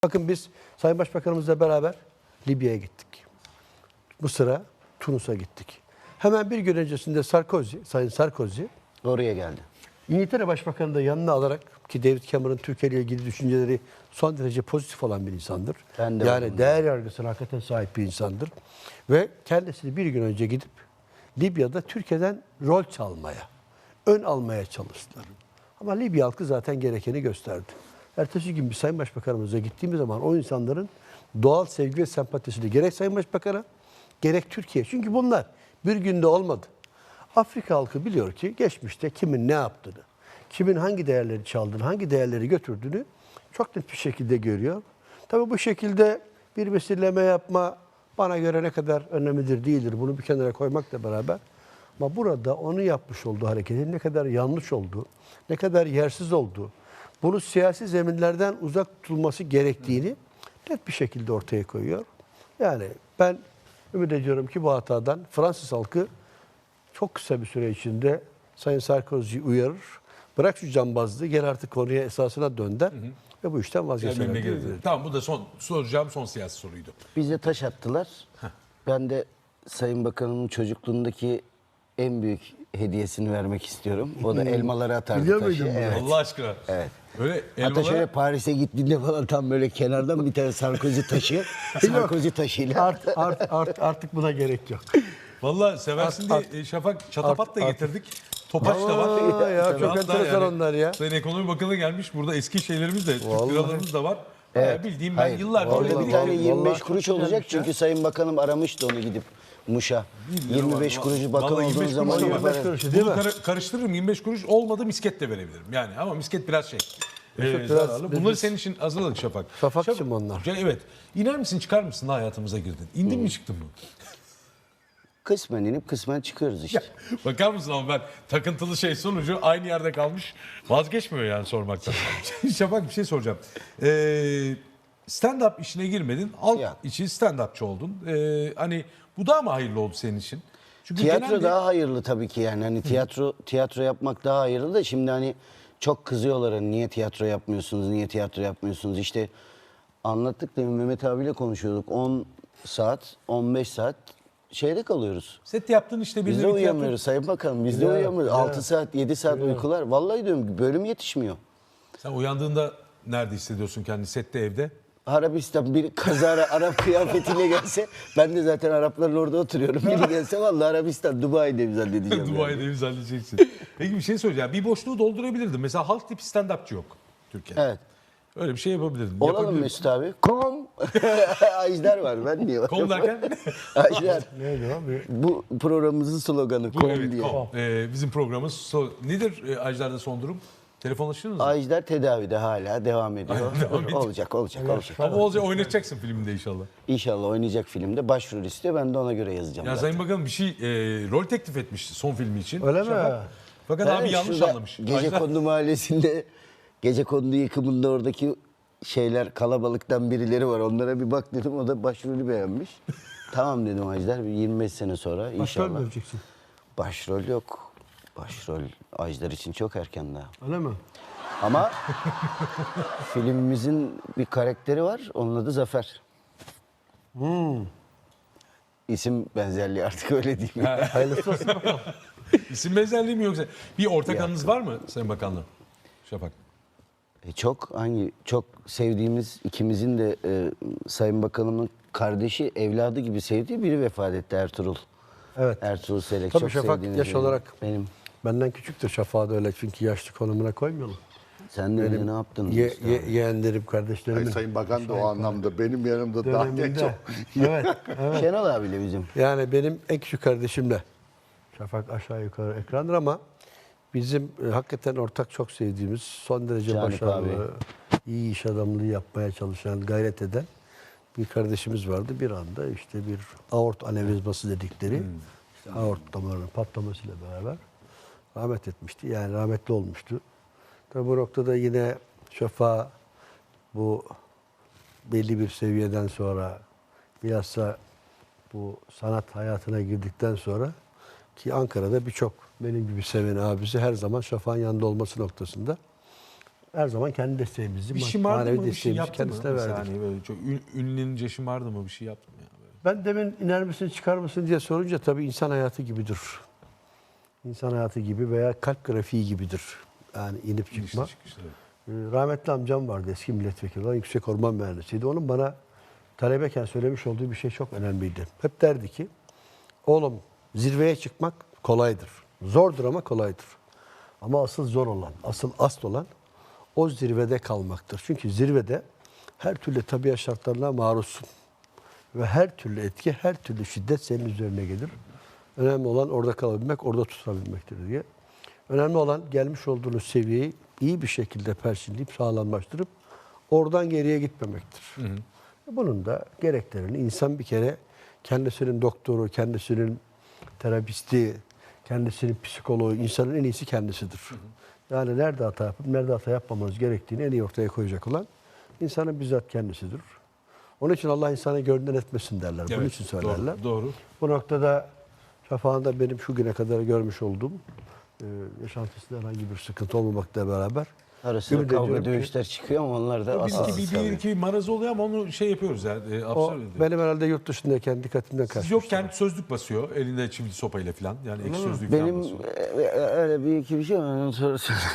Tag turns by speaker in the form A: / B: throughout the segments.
A: Bakın biz Sayın Başbakanımızla beraber Libya'ya gittik. Mısır'a, Tunus'a gittik. Hemen bir gün öncesinde Sayın Sarkozy
B: Oraya geldi.
A: İngiltere Başbakanı da yanına alarak, ki David Cameron Türkiye ile ilgili düşünceleri son derece pozitif olan bir insandır.
B: Ben de
A: Yani
B: varım.
A: değer yargısına hakikaten sahip bir insandır. Ve kendisini bir gün önce gidip Libya'da Türkiye'den rol çalmaya, ön almaya çalıştılar. Ama Libya halkı zaten gerekeni gösterdi. Ertesi gün bir Sayın Başbakanımıza gittiğimiz zaman o insanların doğal sevgi ve sempatisini gerek Sayın Başbakan'a gerek Türkiye. Çünkü bunlar bir günde olmadı. Afrika halkı biliyor ki geçmişte kimin ne yaptığını, kimin hangi değerleri çaldığını, hangi değerleri götürdüğünü çok net bir şekilde görüyor. Tabii bu şekilde bir misilleme yapma bana göre ne kadar önemlidir değildir. Bunu bir kenara koymakla beraber. Ama burada onun yapmış olduğu hareketin ne kadar yanlış olduğu, ne kadar yersiz olduğu, bunu siyasi zeminlerden uzak tutulması gerektiğini net bir şekilde ortaya koyuyor. Yani ben ümit ediyorum ki bu hatadan Fransız halkı çok kısa bir süre içinde Sayın Sarkozy'yi uyarır. Bırak şu cambazlığı, gel artık konuya esasına dönder ve bu işten vazgeçer.
C: Tamam, bu da soracağım son siyasi soruydu.
B: Bize taş attılar. Ben de Sayın Bakanımın çocukluğundaki en büyük hediyesini vermek istiyorum. O da elmaları atardı
A: Biliyor
B: taşı.
A: muydun bunu?
B: Evet.
C: Allah aşkına.
B: Evet.
C: Böyle
B: Hatta şöyle
C: elmalara
B: Paris'e gittiğinde falan tam böyle kenardan bir tane Sarkozy taşı. Sarkozy taşıyla.
A: Artık buna gerek yok.
C: vallahi seversin diye Şafak çatapat da getirdik. Topaç da var.
A: Ya, çok
C: Hatta
A: enteresan onlar ya.
C: Sayın Ekonomi Bakanı gelmiş. Burada eski şeylerimiz de, Türk
A: Vallahi.
C: liralarımız da var.
B: Evet.
C: Bildiğim ben
B: Hayır.
C: yıllardır
B: Orada
C: öyle
B: bir tane
C: biriktirdim.
B: 25
A: Vallahi
B: kuruş
A: çok
B: olacak
A: güzelmiş ya.
B: çünkü Sayın Bakanım aramıştı onu gidip Muş'a. 25 kuruşu bakan
C: Vallahi
B: olduğun
C: 25
B: zaman
C: kuruş da var.
B: yaparız.
A: 25 kuruş. Değil
C: Bunu
A: mi?
C: karıştırırım. 25 kuruş olmadı misket de verebilirim. Yani ama misket biraz şey.
A: Biraz-
C: Zararlı. Bunları
A: biz-
C: senin için hazırladık Şafak.
A: Şafakçım onlar.
C: Evet. İner misin çıkar mısın da hayatımıza girdin? İndin mi çıktın mı?
B: Kısmen inip kısmen çıkıyoruz işte.
C: Bakar mısın ama ben takıntılı şey sonucu aynı yerde kalmış. Vazgeçmiyor yani sormaktan. Şafak bir şey soracağım. Stand-up işine girmedin. Halk
B: Ya.
C: için stand-upçı oldun. Hani bu daha mı hayırlı oldu senin için? Çünkü
B: Tiyatro
C: genelde-
B: daha hayırlı tabii ki yani. Hani tiyatro yapmak daha hayırlı da şimdi hani çok kızıyorlar hani niye tiyatro yapmıyorsunuz, niye tiyatro yapmıyorsunuz? İşte anlattık demin Mehmet abiyle konuşuyorduk. 10 saat, 15 saat şeyde kalıyoruz.
C: Set yaptın işte
B: Biz de
C: tiyatro-
B: uyuyamıyoruz Sayın Bakanım. Biz de uyuyamıyoruz. 6 saat, 7 saat uykular. Vallahi diyorum bölüm yetişmiyor.
C: Sen uyandığında nerede hissediyorsun kendini? Sette, evde?
B: Arabistan bir kazara Arap kıyafetiyle gelse ben de zaten Arapların orada oturuyorum. Biri gelse vallahi Arabistan, Dubai'de mi zannedeceğim. yani.
C: Dubai'de imzalayacaksin. Peki bir şey söyleyeceğim. Bir boşluğu doldurabilirdim. Mesela halk tipi stand-upçı yok Türkiye'de.
B: Evet.
C: Öyle bir şey yapabilirdin.
B: Olalım
C: Yapabilirdin.
B: Mesut abi. Kom. Ajdar var ben niye
C: Kom derken?
B: Ajdar.
A: Neydi abi?
B: Bu programımızın sloganı
C: Bu
B: kom
C: evet,
B: diye.
C: kom. Bizim programımız nedir Ajdar'da son durum? Telefonlaştınız mı?
B: Ajdar tedavide hala devam ediyor.
C: Aynen, devam ediyor.
B: Olacak.
C: Ama olacak oynatacaksın filminde inşallah.
B: İnşallah oynayacak filmde başrol istiyor. Ben de ona göre yazacağım.
C: Ya
B: zaten.
C: Sayın Bakanım bir şey rol teklif etmiş son filmi için.
A: Öyle mi?
C: Fakat
B: Evet,
C: abi yanlış
B: şurada
C: anlamış.
B: Gecekondu mahallesinde Gecekondu yıkımında oradaki şeyler kalabalıktan birileri var. Onlara bir bak dedim. O da başrolü beğenmiş. Tamam dedim Ajdar. Bir 25 sene sonra
A: Başrol
B: inşallah.
A: mü vereceksin?
B: Başrol yok. Başrol Ajdar için çok erken daha.
A: Öyle mi?
B: Ama filmimizin bir karakteri var. Onun adı Zafer. İsim benzerliği artık öyle değil mi?
A: Hayırlısı olsun bakalım.
C: İsim benzerliği mi yoksa? Bir ortak
B: Ya.
C: anınız var mı Sayın Bakanla? Şafak.
B: Çok sevdiğimiz ikimizin de Sayın Bakanımın kardeşi, evladı gibi sevdiği biri vefat etti Ertuğrul.
A: Evet.
B: Ertuğrul Selek.
A: Tabii
B: çok
A: Şafak
B: sevdiğimiz
A: yaş
B: biri.
A: olarak
B: Benim.
A: benden küçüktür Şafak'a da öyle çünkü yaşlı konumuna koymuyorlar.
B: Sen de öyle ne yaptın? Mustafa?
A: Yeğenlerim, kardeşlerim.
D: Sayın Bakan da o anlamda benim yanımda daha genç
A: Döneminde.
D: o.
A: Evet.
B: Şenol abiyle bizim.
A: Yani benim en küçük kardeşimle Şafak aşağı yukarı ekrandır ama bizim hakikaten ortak çok sevdiğimiz, son derece
B: Canip
A: başarılı, iyi iş adamlığı yapmaya çalışan, gayret eden bir kardeşimiz vardı. Bir anda işte bir aort anevrizması dedikleri işte aort damarının patlamasıyla beraber rahmet etmişti. Yani rahmetli olmuştu. Tabi bu noktada yine Şafak bu belli bir seviyeden sonra bilhassa bu sanat hayatına girdikten sonra ki Ankara'da birçok benim gibi seven abisi her zaman Şafak'ın yanında olması noktasında her zaman kendi desteğimizi,
C: Bir şımardı
A: manevi
C: mı? Bir şey
A: desteğimizi
C: yaptı mı?
A: kendisine
C: Bir
A: verdik.
C: saniye böyle çok ünlenince şımardı mı? Bir şey yaptı mı ya? Böyle?
A: Ben demin iner misin çıkar mısın diye sorunca tabii insan hayatı gibidir. İnsan hayatı gibi veya kalp grafiği gibidir. Yani inip çıkma.
C: İnişli çıkışlı.
A: Rahmetli amcam vardı, eski milletvekili olan, yüksek orman mühendisiydi. Onun bana talebeyken söylemiş olduğu bir şey çok önemliydi. Hep derdi ki, oğlum zirveye çıkmak kolaydır. Zordur ama kolaydır. Ama asıl zor olan, asıl olan o zirvede kalmaktır. Çünkü zirvede her türlü tabiat şartlarına maruzsun. Ve her türlü etki, her türlü şiddet senin üzerine gelir. Önemli olan orada kalabilmek, orada tutabilmektir diye. Önemli olan gelmiş olduğunuz seviyeyi iyi bir şekilde perçinleyip sağlamlaştırıp oradan geriye gitmemektir. Bunun da gereklerini insan bir kere kendisinin doktoru, kendisinin terapisti, kendisinin psikoloğu, insanın en iyisi kendisidir. Yani nerede hata yapıp nerede hata yapmamamız gerektiğini en iyi ortaya koyacak olan insanın bizzat kendisidir. Onun için Allah insanı gönlünden etmesin derler. Bunun
C: Evet,
A: için söylerler.
C: Doğru.
A: Bu noktada şafağında benim şu güne kadar görmüş olduğum yaşantısında herhangi bir sıkıntı olmamakla beraber
B: Ara sıra
A: ümit
B: kavga
A: ediyorum ki
B: dövüşler çıkıyor ama onlar da
C: Bir
B: asıl.
C: iki marazı oluyor ama onu şey yapıyoruz yani.
A: o
C: Absürt ediyor.
A: benim herhalde yurt dışındayken dikkatimden
C: Siz
A: kaçmış.
C: yokken sözlük basıyor. Elinde çivili sopayla falan. Yani ek sözlük falan
B: Benim
C: basıyor.
B: öyle bir iki bir şey var. Ondan sonra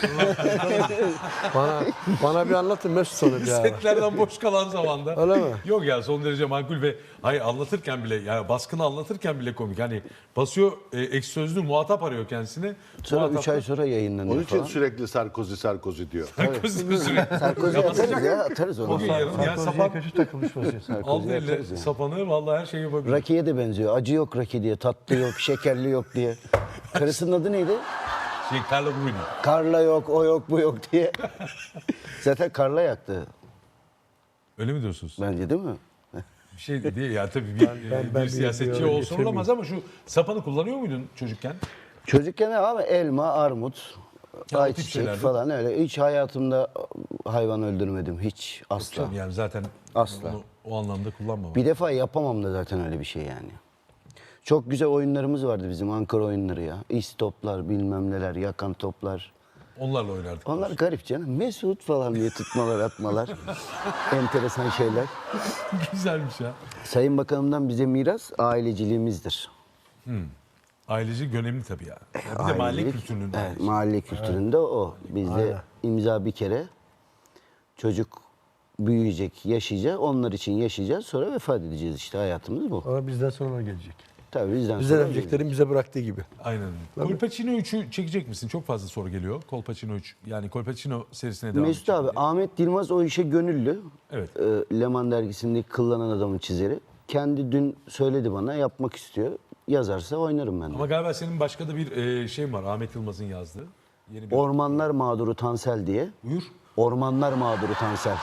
A: Bana bir anlatın Mesut onu bir ara.
C: Setlerden boş kalan zamanda.
A: Öyle mi?
C: Yok ya son derece makul ve hayır anlatırken bile yani baskını anlatırken bile komik. Hani basıyor ek sözlü muhatap arıyor kendisine.
B: sonra
C: Muhatap
B: 3 ay sonra yayınlanıyor
D: Onun için
B: falan.
D: sürekli Sarkozy diyor.
B: Sarkozy atarız ya, atarız onu.
C: Bugün yarın ya
A: Sarkozy'ye
C: sapan
A: kötü takılmış vaziyette.
C: aldı elle
B: yaparız yani.
C: sapanı vallahi her şeyi yapabilir.
B: Rakiye de benziyor. Acı yok raki diye, tatlı yok, şekerli yok diye. Karısının adı neydi?
C: Carla Bruni.
B: Karla yok, o yok, bu yok diye. Zaten Karla yaktı
C: Öyle mi diyorsunuz?
B: bence değil mi?
C: Bir şey değil ya tabii
A: ben
C: bir siyasetçi
A: bir
C: olsun olamaz ama şu sapanı kullanıyor muydun çocukken?
B: Çocukken abi elma, armut,
C: Ya o tip
B: ayçiçek
C: şeyler
B: falan öyle. Hiç hayatımda hayvan öldürmedim. Hiç asla.
C: Tabii yani zaten
B: Asla.
C: onu o anlamda kullanmam.
B: Bir defa yapamam da zaten öyle bir şey yani. Çok güzel oyunlarımız vardı bizim Ankara oyunları ya. İstoplar, bilmem neler, yakan toplar.
C: Onlarla oynardık.
B: Onlar garip canım. Mesut falan diye tutmalar, atmalar. Enteresan şeyler.
C: Güzelmiş ya.
B: Sayın Bakanım'dan bize miras aileciliğimizdir.
C: Aileci önemli tabii ya. Bir de mahalle
B: Ailelik,
C: kültürünün.
B: Evet, mahalle kültüründe o. Bizde
A: Aynen.
B: imza bir kere. Çocuk büyüyecek, yaşayacak. Onlar için yaşayacağız. Sonra vefat edeceğiz işte. Hayatımız bu.
A: Ama bizden sonra gelecek.
B: Tabii bizden
A: Bizden
B: sonra
A: önceklerin bize bıraktığı gibi.
C: Aynen. Kolpaçino 3'ü çekecek misin? Çok fazla soru geliyor. Kolpaçino 3. Yani Kolpaçino serisine devam
B: Mesut
C: edecek
B: abi,
C: diye.
B: Ahmet Dilmaz o işe gönüllü.
C: Evet.
B: Leman dergisindeki Kıllanan Adamın çizeri. Kendi dün söyledi bana, yapmak istiyor. Yazarsa oynarım ben de.
C: Ama galiba senin başka da bir şeyin var. Ahmet Yılmaz'ın yazdığı. Yeni bir...
B: Ormanlar Mağduru Tansel diye.
C: Buyur.
B: Ormanlar Mağduru Tansel.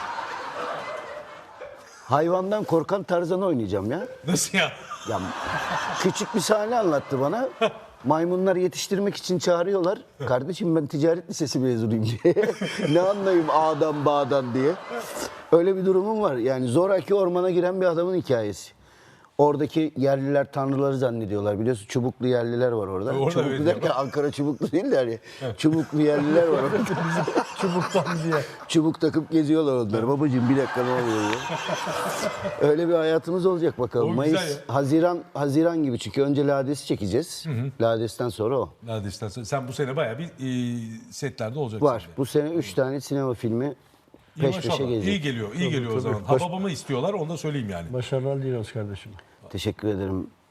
B: Hayvandan korkan Tarzan'ı oynayacağım ya.
C: Nasıl ya?
B: Ya küçük bir sahne anlattı bana. Maymunlar yetiştirmek için çağırıyorlar. Kardeşim ben ticaret lisesi mezunuyum diye. Ne anlayayım A'dan B'dan diye. Öyle bir durumum var. Yani zoraki ormana giren bir adamın hikayesi. Oradaki yerliler tanrıları zannediyorlar. Biliyorsun Çubuklu yerliler var orada.
C: Orada
B: Çubuklu
C: evet.
B: derken Ankara Çubuklu değil de hani Çubuklu yerliler var orada.
A: Çubuktan diye.
B: Çubuk takıp geziyorlar onlar. Babacığım bir dakika ne oluyor ya? Öyle bir hayatımız olacak bakalım.
C: O güzel
B: Mayıs, Haziran gibi çünkü önce Lades'i çekeceğiz. Lades'ten sonra o.
C: Neredeyse sen bu sene bayağı bir setlerde olacaksın.
B: Var. Bu sene 3 tane sinema filmi
C: İyi
B: peş peşe
C: maşallah.
B: gelecek.
C: İyi geliyor, iyi geliyor o
A: tabii.
C: zaman. Hababamı istiyorlar, onu da söyleyeyim yani.
A: Başarılar diliyoruz kardeşim.
B: Teşekkür ederim.